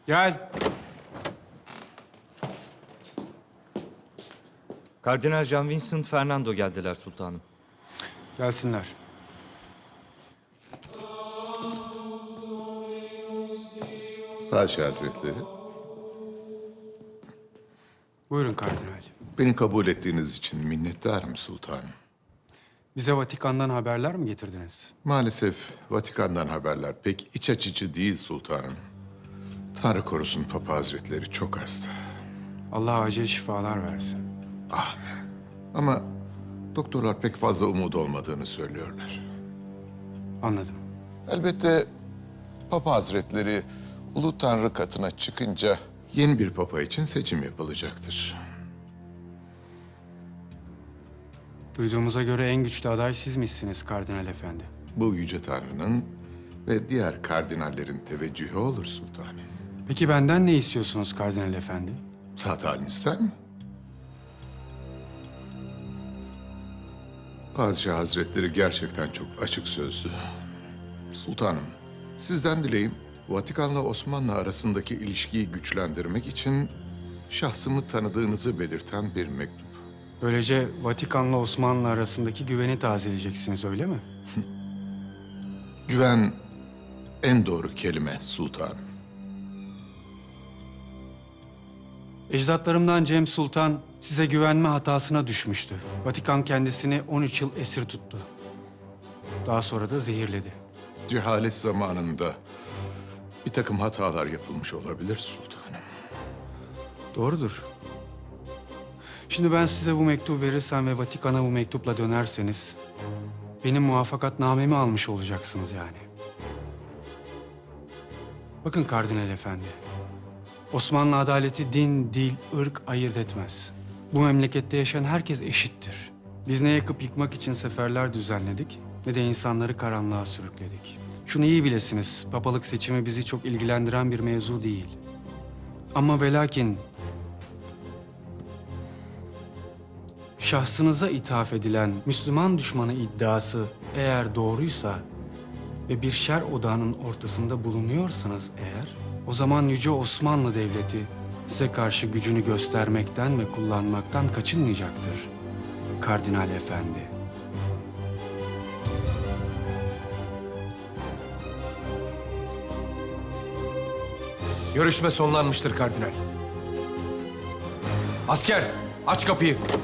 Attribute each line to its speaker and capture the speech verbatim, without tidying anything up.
Speaker 1: Gel.
Speaker 2: Kardinal Jean Vincent Fernando geldiler sultanım.
Speaker 1: Gelsinler.
Speaker 3: Padişah Hazretleri,
Speaker 1: Buyurun kardinalciğim.
Speaker 3: beni kabul ettiğiniz için minnettarım sultanım.
Speaker 1: Bize Vatikan'dan haberler mi getirdiniz?
Speaker 3: Maalesef Vatikan'dan haberler pek iç açıcı değil sultanım. Tanrı korusun Papa Hazretleri çok hasta.
Speaker 1: Allah acil şifalar versin.
Speaker 3: Ama doktorlar pek fazla umut olmadığını söylüyorlar.
Speaker 1: Anladım.
Speaker 3: Elbette Papa Hazretleri Ulu Tanrı katına çıkınca yeni bir papa için seçim yapılacaktır.
Speaker 1: Duyduğumuza göre en güçlü aday sizmişsiniz kardinal efendi.
Speaker 3: Bu Yüce Tanrı'nın ve diğer kardinallerin teveccühü olur sultanım.
Speaker 1: Peki benden ne istiyorsunuz kardinal efendi?
Speaker 3: Zat halin ister mi? Padişah Hazretleri gerçekten çok açık sözlü. Sultanım, sizden dileğim Vatikan'la Osmanlı arasındaki ilişkiyi güçlendirmek için şahsımı tanıdığınızı belirten bir mektup.
Speaker 1: Böylece Vatikan'la Osmanlı arasındaki güveni tazeleyeceksiniz öyle mi?
Speaker 3: Güven en doğru kelime sultanım.
Speaker 1: Ecdatlarımdan Cem Sultan size güvenme hatasına düşmüştü. Vatikan kendisini on üç yıl esir tuttu. Daha sonra da zehirledi.
Speaker 3: Cehalet zamanında bir takım hatalar yapılmış olabilir sultanım.
Speaker 1: Doğrudur. Şimdi ben size bu mektubu verirsem ve Vatikan'a bu mektupla dönerseniz... benim muvaffakatnamemi almış olacaksınız yani. Bakın kardinal efendi. Osmanlı adaleti din, dil, ırk ayırt etmez. Bu memlekette yaşayan herkes eşittir. Biz ne yakıp yıkmak için seferler düzenledik, ne de insanları karanlığa sürükledik. Şunu iyi bilesiniz, papalık seçimi bizi çok ilgilendiren bir mevzu değil. Ama ve lakin şahsınıza ithaf edilen Müslüman düşmanı iddiası eğer doğruysa ve bir şer odağının ortasında bulunuyorsanız eğer, o zaman Yüce Osmanlı Devleti size karşı gücünü göstermekten ve kullanmaktan kaçınmayacaktır Kardinal Efendi.
Speaker 4: Görüşme sonlanmıştır kardinal. Asker, aç kapıyı.